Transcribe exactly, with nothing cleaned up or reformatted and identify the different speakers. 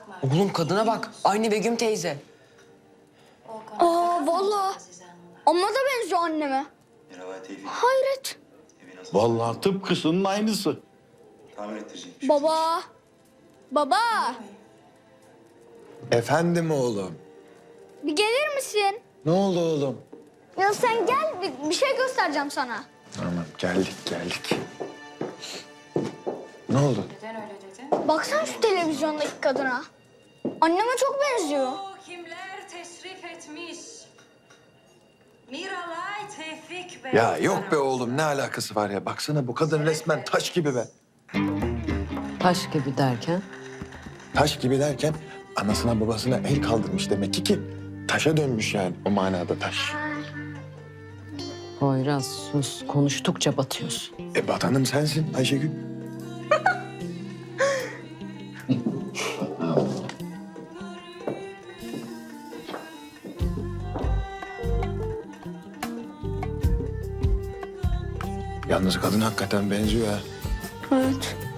Speaker 1: Oğlum kadına bak. Aynı Begüm teyze.
Speaker 2: Aa vallahi. Amma da benziyor anneme. Hayret.
Speaker 3: Vallahi tıpkısının aynısı.
Speaker 2: Baba. Baba.
Speaker 4: Efendim oğlum.
Speaker 2: Bir gelir misin?
Speaker 4: Ne oldu oğlum?
Speaker 2: Ya sen gel bir, bir şey göstereceğim sana.
Speaker 4: Tamam geldik geldik. Ne oldu?
Speaker 2: Baksana şu televizyondaki kadına. Anneme çok benziyor.
Speaker 5: Kimler teşrif etmiş? Miralay Tevfik Bey.
Speaker 4: Ya yok be oğlum ne alakası var ya? Baksana bu kadın resmen taş gibi be.
Speaker 6: Taş gibi derken?
Speaker 4: Taş gibi derken anasına babasına el kaldırmış demek ki ki taşa dönmüş yani o manada taş.
Speaker 6: Poyraz sus, konuştukça batıyorsun.
Speaker 4: E batanım sensin Ayşegül. Yalnız kadın hakikaten benziyor ha.
Speaker 2: Evet.